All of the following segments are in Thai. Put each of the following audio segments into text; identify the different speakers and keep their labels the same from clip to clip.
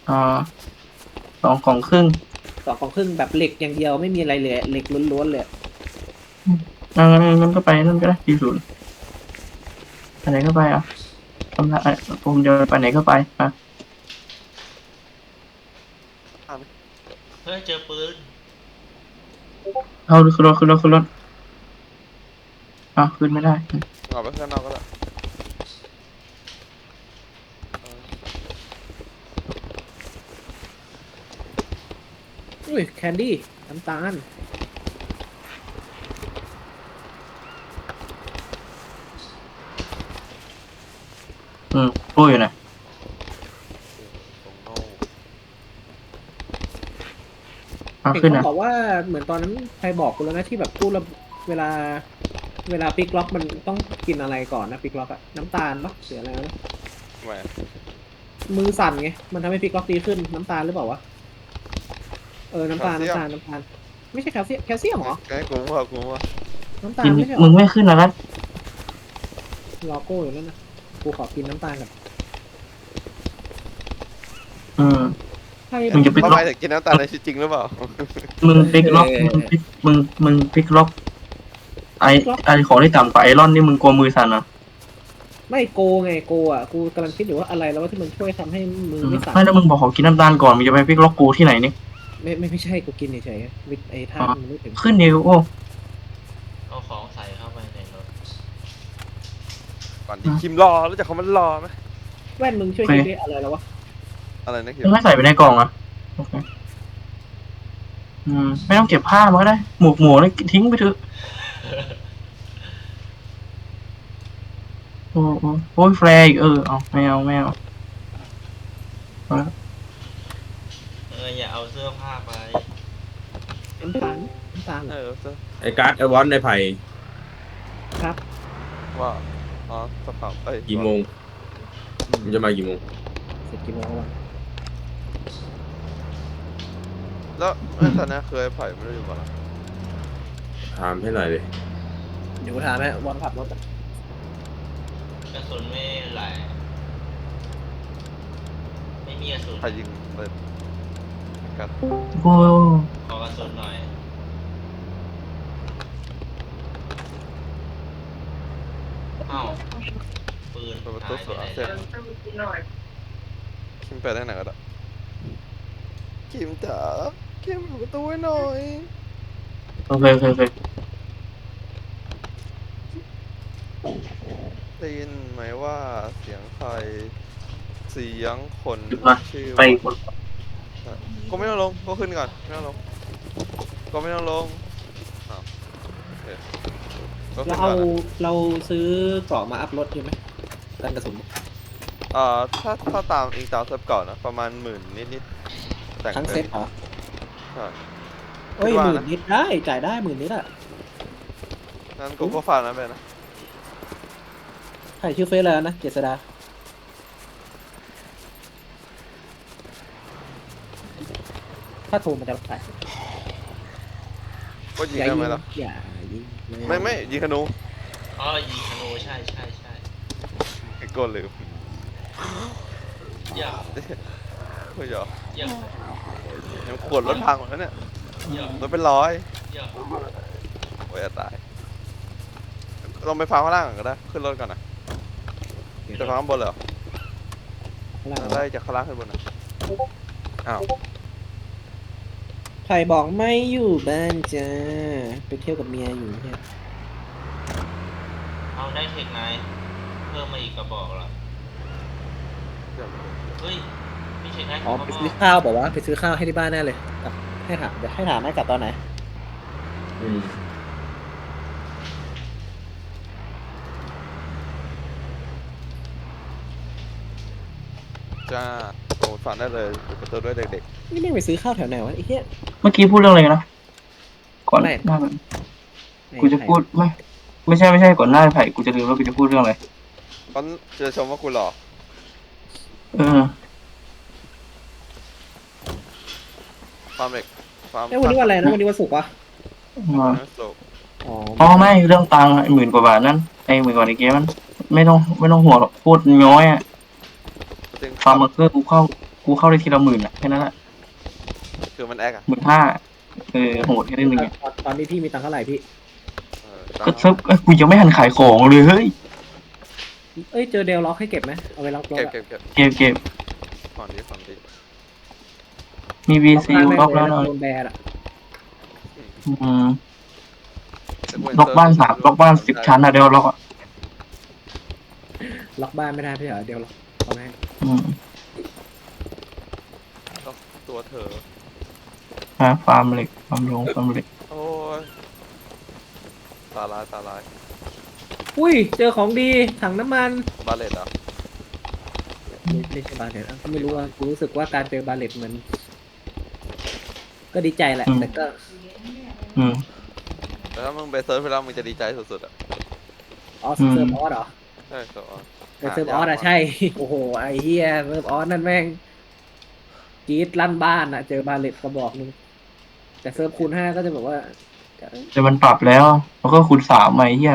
Speaker 1: อ่าสองของครึ่ง
Speaker 2: 2 กล่องครึ่งแบบเหล็กอย่างเดียวไม่มีอะไรเลยเหล็กล้วนๆเลย
Speaker 1: งั้นก็ไปนั่นก็ได้40ไปไหนก็ไปอ่ะทำละผมจะไปไหนก็ไปอ่ะ
Speaker 3: เฮ้ยเจอปืน
Speaker 1: เอาขึ้นรถขึ้นไม่ได้
Speaker 4: ออกไปข้างนอกก็ได้
Speaker 2: อุ้ยแคนดี้น้ำตาล
Speaker 1: พูดอยู่นะ
Speaker 2: เห็น
Speaker 1: ขึ้นนะ
Speaker 2: เขาบอกว่าเหมือนตอนนั้นใครบอกกูแล้วนะที่แบบพูดแล้วเวลาปิกล็อกมันต้องกินอะไรก่อนนะปิกล็อกอะน้ำตาลปะหรืออะไรนะ
Speaker 4: ทำไม
Speaker 2: มือสั่นไงมันทำให้ปิกล็อกดีขึ้นน้ำตาลหรือเปล่าวะน้ำตาลไม่ใช่แคลเซียมเหรอ
Speaker 4: แกกูว่า
Speaker 2: น้ำตา
Speaker 1: กิน
Speaker 2: ลไม่ใช่หรอ
Speaker 1: มึงไม่ขึ้นแล้วนะ
Speaker 2: รอโก้อยู่นั่นนะกูขอกินน้ำตาลก่อน
Speaker 1: อืม
Speaker 2: ใช่
Speaker 1: มึงจะปิก
Speaker 4: ทำ
Speaker 1: ล็
Speaker 4: ไม
Speaker 1: อก
Speaker 4: ถึงกินน้ำตาลในชีวิตจริงหรือเปล่า
Speaker 1: มึงปิกล็อกมึงปิกล็อกไอไอของที่ต่ำกว่าไอรอนนี่มึงกลัวมือสั่นอ่ะ
Speaker 2: ไม่โกไงโกอ่ะกูกำลังคิดอยู่ว่าอะไรแล้วว่าที่มันช่วยทำให้มือไม่สั่น
Speaker 1: ไม่แล้วมึงบอกขอกินน้ำตาลก่อนมึงจะไปปิกล็อกกูที่ไหนนี่
Speaker 2: ไม่ใช่กูกินเฉยๆวิไอ้ธาตุมันไม่ถึง
Speaker 1: ขึ้นเดียวโอ้
Speaker 3: เอาของใส่เข้าไปในรถ
Speaker 4: ก่อนที่คิมรอรู้จักคำว่ารอไหม
Speaker 2: แว่นมึงช่วยคิดได้อะไรแล้ววะ
Speaker 4: อะไรนะคิม
Speaker 1: มึงไม่ใส่ไปในกล่องอ่ะโอเคไม่ต้องเก็บผ้ามาก็ได้หมวกนี่ทิ้งไปเถอะโอ้ยแฟร์อีกเอาไม่เอา
Speaker 3: อย่าเอาเสื้อผ้าไป
Speaker 2: น้ำตาล
Speaker 5: ไอ้การ์ดไอ้วอนไอ้ไผ่
Speaker 2: ครับ
Speaker 4: ว่าอ๋อสภาพ
Speaker 5: กี่โมงมันจะมากี่โมง
Speaker 2: เสร็จกี่โมงวะ
Speaker 4: แล้วตอนนี้เคยไผ่ไม่ได้อยู่บ้าน
Speaker 5: ถามให้หน่อยเลย
Speaker 2: เดี๋ยวกูถามไหมวันขับรถอะ
Speaker 3: กระสุนไม่ไหลไม่มีกระสุน
Speaker 4: ไผ่ยิงเลยกัน
Speaker 1: โอ้
Speaker 3: ขอกระสุนหน่อยเอ้าปืน
Speaker 4: เปิดประตู
Speaker 3: หาย
Speaker 4: ส
Speaker 3: ไป
Speaker 4: วน
Speaker 3: ไหน
Speaker 4: เสร็จ
Speaker 3: แล้ว
Speaker 4: คิมไปได้ไหนก็ได้คิมจ๋าคิมเปิดประตูให้หน่อย
Speaker 1: โอเค
Speaker 4: ได้ยินไหมว่าเสียงใครเสียงคนชื่อ
Speaker 1: ไป
Speaker 4: ก็ไม่ต้องลงก็ขึ้นก่อนไม่ต้องลงก็ไม่ต้องลงโอเคก็ขึ้นก่อนนะ
Speaker 2: เราซื้อเกราะมาอัพรถใช่ไหมกันกระสุน
Speaker 4: ถ้าตามอิงตามเซิร์ฟเก่านะประมาณ10,000นิดแต่ง
Speaker 2: ทั้งเซ็ตเหรอ
Speaker 4: ใช่
Speaker 2: เอ้ย10,000 นิดได้จ่ายได้10,000 นิดอะ
Speaker 4: งั้นกูก็ฝากนะเบนนะ
Speaker 2: ใครชื่อเฟซแล้วนะเจษดาถ้าโทรมันจะรับสาย
Speaker 4: ก็ยิงได้ไหมล่ะ
Speaker 2: อย่ายิง
Speaker 4: ไม่ยิงธนู
Speaker 3: อ๋อยิงธนูใช่
Speaker 4: ไอ้โก้ลืม
Speaker 3: อย่า
Speaker 4: เฮ้ยเหรอ
Speaker 3: อย่า
Speaker 4: ยังขวดรถพังหมดแล้วเนี่ย
Speaker 3: อย่าร
Speaker 4: ถเป็นร้อย
Speaker 3: อย่า
Speaker 4: โอ้ยจะตายลงไปฟังข้างล่างก่อนก็ได้ขึ้นรถก่อนนะจะฟังข้างบนเลยเหรอได้จากข้างล่างขึ้นบนนะอ้าว
Speaker 2: ใครบอกไม่อยู่บ้านจ้าไปเที่ยวกับเมียอยู่เนี่ย
Speaker 3: เอาได้เทคไนท์เพิ่มมาอีกกระบอกเหรอเฮ้ยมีเทคไนท์
Speaker 2: อ๋อ
Speaker 3: ของ
Speaker 2: ไป
Speaker 3: กระบ
Speaker 2: ซื้อ
Speaker 3: อก
Speaker 2: ข้าวบอกว่าไปซื้อข้าวให้ที่บ้านแน่เลยกลับให้ถามเดี๋ยวให้ถามให้กลับตอนไหน
Speaker 5: อืม
Speaker 4: จ้าโอ้ฟังได้เลยเปิดประตูด้วยเด็ก
Speaker 2: นี่ไม่ไปซื้อข้าวแถวไหนวะไอ้เหี้ย
Speaker 1: เมื่อกี้พูดเรื่องอะไรนะก่อน
Speaker 2: ไม่
Speaker 1: หน้ากูจะพูดไม่ใช่ก่อนหน้าไผ่กูจะลืมว่ากูจะพูดเรื่องอะไร
Speaker 4: ๆเขาจะชมว่ากูหล่อ ฟาร์มเด็กฟาร์ม
Speaker 2: วันนี้วันอะไรนะวันนี้วันศุกร์ปะ
Speaker 4: สุก
Speaker 2: อ๋อ
Speaker 1: ไม่เรื่องตังค์10,000 กว่าบาทนั่น10,000 กว่าในเกมมันไม่ต้องห่วงหรอกพูดย้อยอ่ะ
Speaker 4: จริง
Speaker 1: ฟาร์มเมอร์เกอร์กูเข้ากูเข้าได้ทีละ10,000อ่ะแค่นั้นแหละ
Speaker 4: คือมันแอคอะ
Speaker 1: 15,000โหดแค่นึงไง
Speaker 2: ตอนนี้พี่มีตังค์เท่าไหร่พี่
Speaker 1: ก็เซิร์ฟกูยังไม่หันขายของเลยเฮ้ย
Speaker 2: เอ้ยเจอเดลล็อกให้เก็บไหมเอาไปล็อกรถ
Speaker 4: เก็บ
Speaker 2: อะ
Speaker 4: เก็บเก็บ
Speaker 1: เก็บ
Speaker 4: ก่อนดีก่อนดี
Speaker 1: มี VCU ล็อกแล้วหน่อย
Speaker 2: โดนแบนอะ
Speaker 1: อืมล็อกบ้าน3ล็อกบ้าน10 ชั้นอะเดี๋ยวล็อกอ่ะ
Speaker 2: ล็อกบ้านไม่ได้พี่เหรอเดลล็อกเอาไหม
Speaker 1: อืม
Speaker 4: ล็อกตัวเธอ
Speaker 1: ฟาร์มเหล็กฟาร์มเหล็ก
Speaker 4: โอ้ยตาลายตาลาย
Speaker 2: อุ้ยเจอของดีถังน้ำมัน
Speaker 4: บาเลตเหรอ
Speaker 2: ไม่ใช่บาเลตก็ไม่รู้ว่ากูรู้สึกว่าการเจอบาเลตเหมือนก็ดีใจแหละแต่ก็
Speaker 1: อืม
Speaker 4: แต่ถ้ามึงไปเซิร์ฟไปแล้วมึงจะดีใจสุดๆอ่ะ
Speaker 2: ออสเซิร์ฟออสเหรอ
Speaker 4: ใช่ครับ
Speaker 2: แต่เซิร์ฟออสอะใช่โอ้โหไอ้เฮียเซิร์ฟออสนั่นแม่งกรีดลั่นบ้านอะเจอบาเลตกระบอกนึงแต่เซิร์ฟคูณ5ก็จะแบบว่า
Speaker 1: แต่มันปรับแล้วแล้วก็คูณ3ไอ้เหี้ย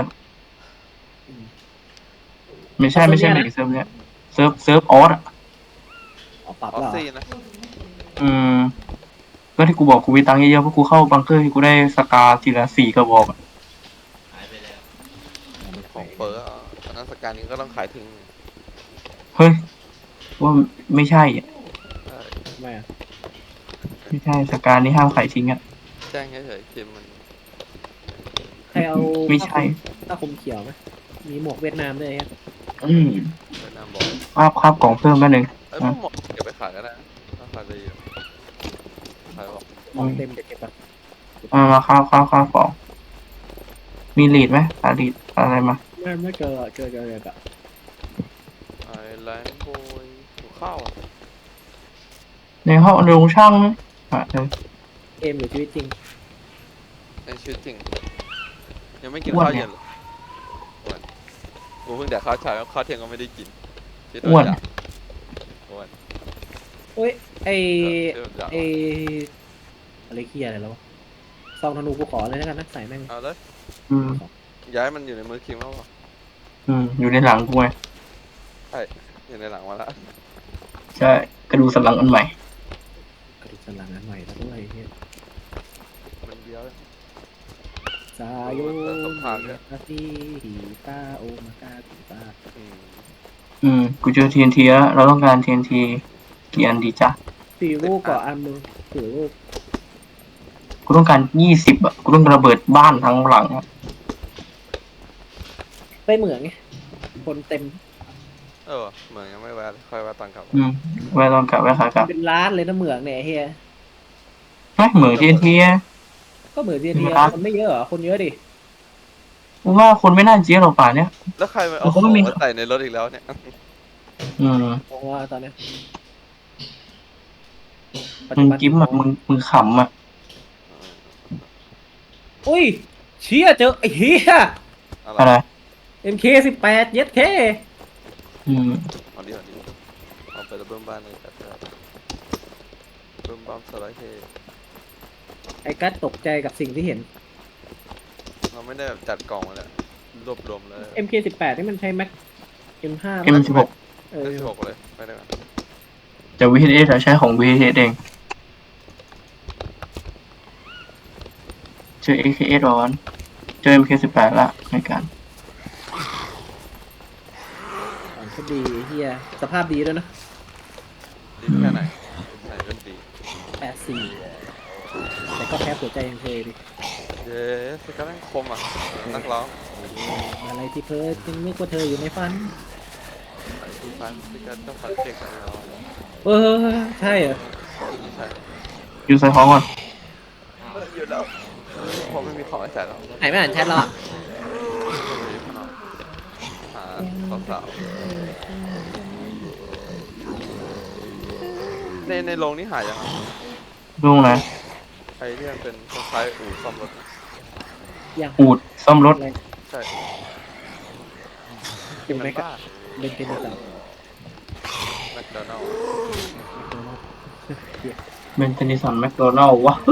Speaker 1: ไม่ใช่เหล็กเซิร์ฟเนี้ยเซิร์ฟออสอ่ะ
Speaker 2: อ๋อปรับ
Speaker 4: ออ
Speaker 2: แล้ว
Speaker 4: ส
Speaker 2: เหรอ
Speaker 4: ซี่นะ
Speaker 1: อืมก็ที่กูบอกกูมีตังค์เยอะๆเพราะกูเข้าบังเกอร์ที่กูได้สกาทีละ4 กระบอกอะ
Speaker 3: หายไปแล้ว
Speaker 4: ของเปิร์อันนั้นสการนี้ก็ต้องขายทิ้ง
Speaker 1: เฮ้ยว่าไม่ใช่อะ
Speaker 4: ใช่
Speaker 2: ทำไมอะ
Speaker 1: ไม่ใช่สกานี่ห้ามขายทิ้งอ่ะ
Speaker 4: แจ้งเฉยๆทีมมัน
Speaker 2: ใครเอา
Speaker 1: ไม่ใช่
Speaker 2: ผ้าคลุมเขียวไหมมีหมวกเวียดนามด้วยฮะ
Speaker 1: อืม
Speaker 4: เวียดนามบอก
Speaker 1: คาบกล่องเพิ่มแป๊บนึง
Speaker 4: ไอ้ยพวกหมดเก็บไปขายก็ได้นะราคาดีอยู่ขายบอก
Speaker 2: ของเต็มเดี๋ยวเก็บไป
Speaker 1: มาคาบกล่องมีลีดไหมลีดอะไรมา
Speaker 2: ไม่เจอเลยอะ
Speaker 4: ไอ้แลนด์บอยหัวข้าวอ่ะ
Speaker 1: ในห้องโรงช่างไหมเออ
Speaker 2: เกมหรือชีวิตจริง
Speaker 4: ในชีวิตจริงยังไม่กินข้าวเย็นเลยอ้วนกูเพิ่งแดกข้าวเช้าข้าวเที่ยงก็ไม่ได้กินที่ตัวอยากอ้วน
Speaker 2: เอ้ยไอ
Speaker 4: ที่ตัวอยาก
Speaker 2: ไออะไรเคียอะไรแล้ววะซองธนูกูขอเลยแล้วกันนะใส่แม่ง
Speaker 4: เอาเลย
Speaker 1: อืม
Speaker 4: ย้ายมันอยู่ในมือคิงแล้วเหรอ
Speaker 1: อยู่ในหลังกูไง
Speaker 4: อยู่ในหลังมาละ
Speaker 1: ใช่กระดูกสันหลังอันใหม่
Speaker 2: กระดูกสันหลังอันใหม่แล้วด้วยเฮีย
Speaker 4: มันเบี้ยวเลย
Speaker 2: ซาโย
Speaker 4: สัมภาษณ์เนี่ย
Speaker 2: คาซีฮิตาโอมากาติตา
Speaker 1: กูเจอ TNT แล้วเราต้องการ TNT กี่อันดีจ๊ะ
Speaker 2: 4 ลูกก่ออันมึง4 ลูก
Speaker 1: กูต้องการ20อ่ะกูต้องระเบิดบ้านทั้งหลังอะ
Speaker 2: ไปเหมืองไงคนเต็ม
Speaker 4: เหมือนยังไม่แวะเลยค่อยแวะตอนกลับ
Speaker 1: ไว้ตอนกลับไว้ขากลับ
Speaker 2: เป็นร้านเลยนะเหมืองเนี่ยเฮีย
Speaker 1: เหมือน TNT อะ
Speaker 2: ก็เหมือนที
Speaker 1: เป็นร้าน
Speaker 2: คนไม่เยอะเหรอคนเยอะดิ
Speaker 1: กูว่าคนไม่น่าเจี๊ยบหรอกป่าเนี้ย
Speaker 4: แล้วใครมาเอาของมาใส่ในรถอีกแล้วเนี่ย
Speaker 2: มองว่าตอนเนี้ยปัจ
Speaker 1: มึ
Speaker 2: จุ
Speaker 1: ง
Speaker 2: บัน
Speaker 1: กิ้มอ่ะมึงขำอ่ะ
Speaker 2: อุ้ยเชี่ยเจอไอ้เฮีย
Speaker 1: อะไร
Speaker 2: MK18 เย็ดเค
Speaker 4: เอาดิเอาไประเบิ้มบ้านเลยจัดเลยเบิ้มบ้ามสไลด์เฮ
Speaker 2: ไอ้กัสตกใจกับสิ่งที่เห็น
Speaker 4: เราไม่ได้แบบจัดกล่องมาเลยรวบรวมเลย
Speaker 2: MK18 นี่มันใช้แม็ก M5 มั้ย
Speaker 1: M16
Speaker 2: เออ
Speaker 4: ได้16เลยไม่ได้กัน
Speaker 1: แต่ VHS อะใช้ของ VHS เองเจอ AKS ร้อนเจอ MK18 ละในการ
Speaker 2: ของก็ดีเฮียสภาพดีด้วยนะ
Speaker 4: ดีแค่ไหนไหนเป็นดี
Speaker 2: 84แต่ก็แพ้หัวใจยังเคยดิ
Speaker 4: เย้สกัดนั่งคมอ่ะนักร้อง
Speaker 2: อะไรที่เพ้อจึงนึกว่าเธออยู่ในฝัน
Speaker 4: ใส่ที่ฟันสกัดเจ้าฝันเก่งกันแล้ว
Speaker 2: เออใช่เหรอ
Speaker 4: ใช่
Speaker 1: อยู่ใส่ของก่อน
Speaker 4: อยู่แล้วผมไม่มีของให้ใส่แล้ว
Speaker 2: ไหนไม่อ่านแชทหรอ
Speaker 4: หาสาวในโรงนี่หายยัง
Speaker 1: ลุงนะ
Speaker 4: ไอ้ที่มันเป็นคล้ายๆอู่ซ่อมรถ
Speaker 2: ยัง
Speaker 1: อูดซ่อมรถ
Speaker 4: ใช่
Speaker 2: เป็น
Speaker 4: มั
Speaker 2: ไหม
Speaker 4: น
Speaker 2: ครับ
Speaker 4: บ้า
Speaker 2: เป็นเทนนิส
Speaker 4: แมคโดนัลด์
Speaker 1: เบนเทนิสันแมคโดนัลล์วะ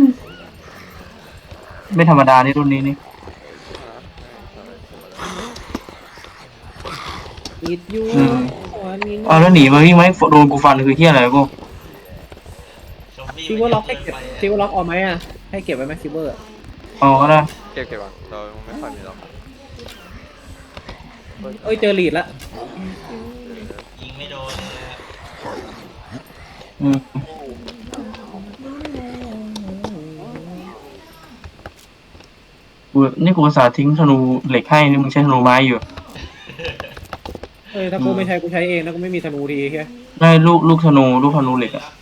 Speaker 1: ไม่ธรรมดานี่รุ่นนี้นี่
Speaker 2: อิดยูวัน
Speaker 1: อ๋อแล้วหนีมาวิ่งไหมโดนกูฟันคือเฮียอะไรกู
Speaker 3: ซอมบี้
Speaker 2: ซิลเวอร์ล็อกให้เก็บซิลเวอร์ล็อกเอาไหมอ่ะให้เก็บไว้ไหมซิลเวอร์
Speaker 1: เอาก็ได้
Speaker 4: เก็บก่อนเราไม่ค่อยมีหรอก
Speaker 2: เอ้ยเจอลีดละ
Speaker 3: ยิงไม่โดนเลยอะ
Speaker 1: อืมนี่กูอุตสาห์ทิ้งธนูเหล็กให้นี่มึงใช้ธนูไม้อยู่
Speaker 2: เอ้ยถ้ากูไม่ใช้กูใช้เองนะกูไม่มีธนูทีแค่
Speaker 1: ได้ลูกธนูเหล็กอะ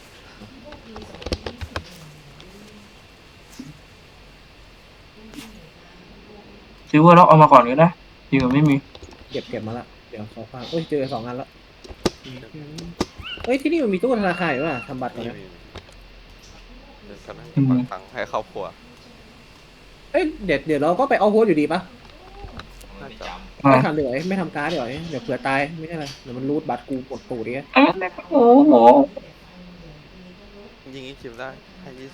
Speaker 1: ซิลเวอร์ล็อกเอามาก่อนก็ได้ดีกว่าไม่มี
Speaker 2: เก็บมาละเดี๋ยวขอฟังเอ้ยเจอ2 อันละเอ้ยที่นี่มันมีตู้ธนาคารอยู่ป่ะทำบัตรก่อน
Speaker 4: มี
Speaker 2: นะ
Speaker 4: เดินกันให้บางครั้งให้ครอบครัว
Speaker 2: เอ้ยเดี๋ยวเราก็ไปเอาโฮสอยู่ดีปะ
Speaker 3: ไม่จ
Speaker 1: อ่า
Speaker 2: ไม่ทำเดี๋ยวไม่ทำการ์ดเดี๋ยวเผื่อตายไม่ใช่อะไรเดี๋ยวมันรูดบัตรกูกดตูดดิ
Speaker 1: โอ้โห
Speaker 4: ยิงอีกคิวได้ให้20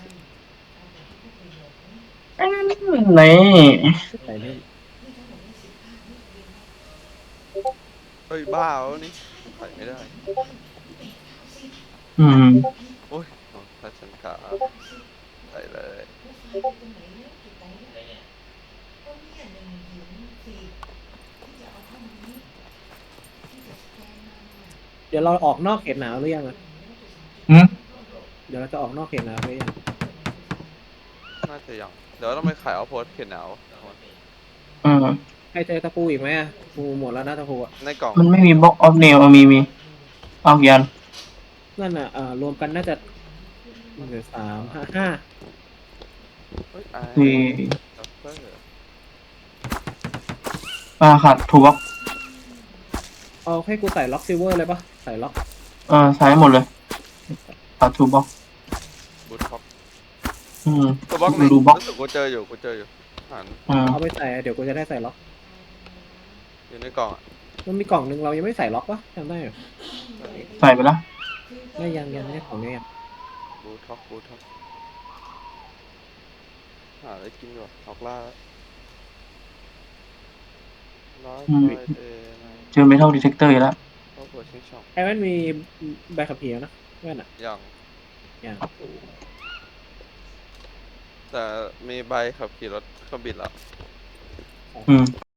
Speaker 1: ไหน
Speaker 2: ใส่เล่น
Speaker 4: เฮ้ยบ้าแล้วนี่ใส่ไม่ได้
Speaker 1: อืม
Speaker 4: โอ้ยถ้าฉันขาใส่เลย
Speaker 3: ำได้เนี่ย
Speaker 2: เดี๋ยวเราออกนอกเขตหนาวหรือยังอะ
Speaker 1: อืม
Speaker 2: เดี๋ยวเราจะออกนอกเขตหนาวหรือยัง
Speaker 4: น่าจะยังเดี๋ยวต้องไปขายเอาโพสเขียนหนาว
Speaker 1: อืม
Speaker 2: ใครเจอตะปูอีกไหมอะปูหมดแล้วนะตะปูอะ
Speaker 4: ในกล่อง
Speaker 1: มันไม่มีบล็อกออฟเนลมีเอากี่อัน
Speaker 2: นั่นอ่ะรวมกันน่าจะ1 2 3 5 5
Speaker 4: เฮ้ยไอ้
Speaker 1: มี
Speaker 4: ดับเบิล
Speaker 1: ขาดทูบล็อก
Speaker 2: เอาให้กูใส่ล็อกซิลเวอร์เลยปะใส่ล็อก
Speaker 1: ใช้หมดเลยขาดทูบล็อก
Speaker 4: บูทท็อป
Speaker 1: อืม
Speaker 4: ตัวบล็อก
Speaker 1: ดูบล็อก
Speaker 4: รู้สึกกูเจออยู่อ่าน
Speaker 1: อ่า
Speaker 2: เอาไปใส่เดี๋ยวกูจะได้ใส่ล็อก
Speaker 4: อยู่ในกล่องอ่ะ
Speaker 2: มันมีกล่องหนึ่งเรายังไม่ใส่ล็อกปะจำได้เหรอ
Speaker 1: ใส่ไปแล้ว
Speaker 2: ไม่ยังไม่ได้ของเนี่ยยัง
Speaker 4: บูทท็อปหาอะไรกินก่อนออกล่าร้อย
Speaker 1: อืม
Speaker 4: ไฟเดย์ใน
Speaker 1: เจอเมทัลดีเทคเตอร์อีกแล้ว
Speaker 4: ครอบครัวชิงช่อง
Speaker 2: ไอ้แว่นมีใบขับขี่แล้วนะแว่นอ่ะ
Speaker 4: ยัง
Speaker 2: ยัง
Speaker 4: แต่มีใบขับขี่รถเครื่องบินแล้ว
Speaker 1: อืม